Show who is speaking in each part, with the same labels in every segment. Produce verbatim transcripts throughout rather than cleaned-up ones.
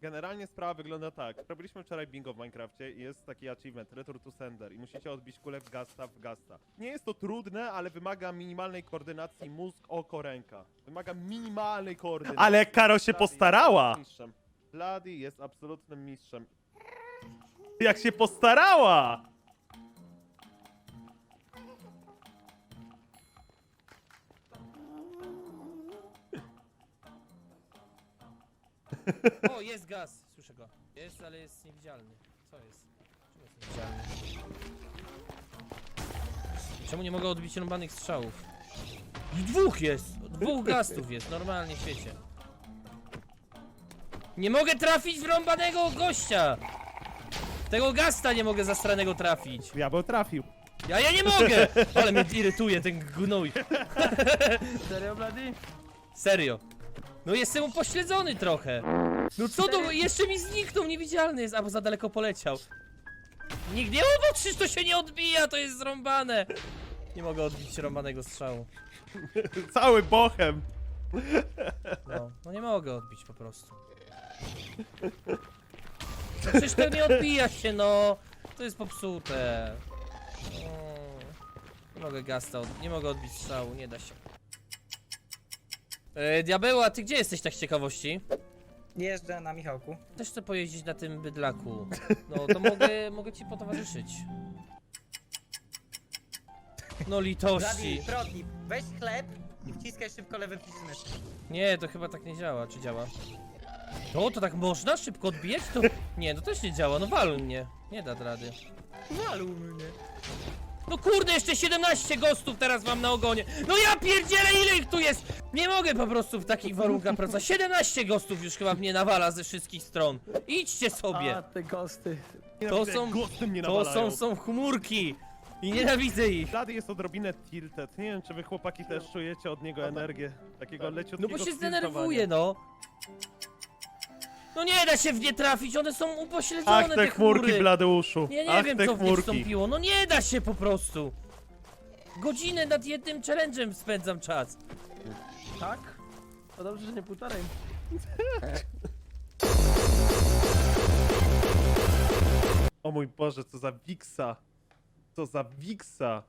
Speaker 1: Generalnie sprawa wygląda tak. Robiliśmy wczoraj bingo w Minecrafcie i jest taki achievement, Return to Sender i musicie odbić kulę w Gasta w Gasta. Nie jest to trudne, ale wymaga minimalnej koordynacji mózg, oko, ręka. Wymaga minimalnej koordynacji. Ale Karo się postarała! Bloody jest absolutnym mistrzem. Jak się postarała!
Speaker 2: O, jest gaz! Słyszę go. Jest, ale jest niewidzialny. Co jest? Czemu jest niewidzialny? Czemu nie mogę odbić rąbanych strzałów? Dwóch jest! Dwóch gastów jest, normalnie w świecie. Nie mogę trafić w rąbanego gościa! Tego gasta nie mogę zastranego trafić.
Speaker 1: Diabeł trafił.
Speaker 2: Ja, ja nie mogę! Ale mnie irytuje ten gnój.
Speaker 3: Serio, Blady?
Speaker 2: Serio. No jestem upośledzony trochę. No co to? Jeszcze mi zniknął, niewidzialny jest, albo za daleko poleciał. Nikt nie mów, przecież to się nie odbija, to jest zrąbane. Nie mogę odbić rąbanego strzału.
Speaker 1: Cały bochem.
Speaker 2: No, no nie mogę odbić po prostu. No przecież to nie odbija się, no. To jest popsute. No. Nie mogę gasta, od... nie mogę odbić strzału, nie da się. E, Diabeł, a ty gdzie jesteś tak z ciekawości?
Speaker 3: Jeżdżę na Michałku.
Speaker 2: Też chcę pojeździć na tym bydlaku. No to mogę, mogę ci potowarzyszyć. No litości.
Speaker 3: Blady, Prodnip, weź chleb i wciskaj szybko lewy przycisk myszy.
Speaker 2: Nie, to chyba tak nie działa, czy działa? To, to tak można szybko odbijać? To... Nie, to też nie działa, no walu mnie. Nie da rady.
Speaker 3: Walu mnie.
Speaker 2: No kurde, jeszcze siedemnaście ghostów teraz mam na ogonie. No ja pierdzielę, ile ich tu jest? Nie mogę po prostu w takich warunkach pracować. siedemnaście ghostów już chyba mnie nawala ze wszystkich stron. Idźcie sobie.
Speaker 3: A, te ghosty.
Speaker 2: To są, to są, są chmurki. I nienawidzę ich.
Speaker 1: Bloody jest odrobinę tilted. Nie wiem, czy wy chłopaki też czujecie od niego energię. Takiego leciutkiego
Speaker 2: No bo się
Speaker 1: stiltowania.
Speaker 2: zdenerwuje, no. No nie da się w nie trafić, one są upośledzone,
Speaker 1: Ach, te chmurki,
Speaker 2: chmury.
Speaker 1: Bladeuszu.
Speaker 2: Ja nie
Speaker 1: Ach,
Speaker 2: wiem,
Speaker 1: te
Speaker 2: co w nie
Speaker 1: chmurki.
Speaker 2: wstąpiło. No nie da się po prostu. Godzinę nad jednym challenge'em spędzam czas.
Speaker 3: Tak? To dobrze, że nie półtorej.
Speaker 1: O mój Boże, co za wiksa. Co za wiksa.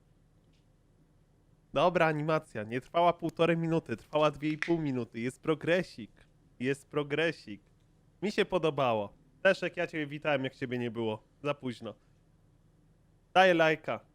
Speaker 1: Dobra animacja, nie trwała półtorej minuty, trwała dwie i pół minuty. Jest progresik. Jest progresik. Mi się podobało. Leszek, ja ciebie witałem, jak ciebie nie było. Za późno. Daję lajka.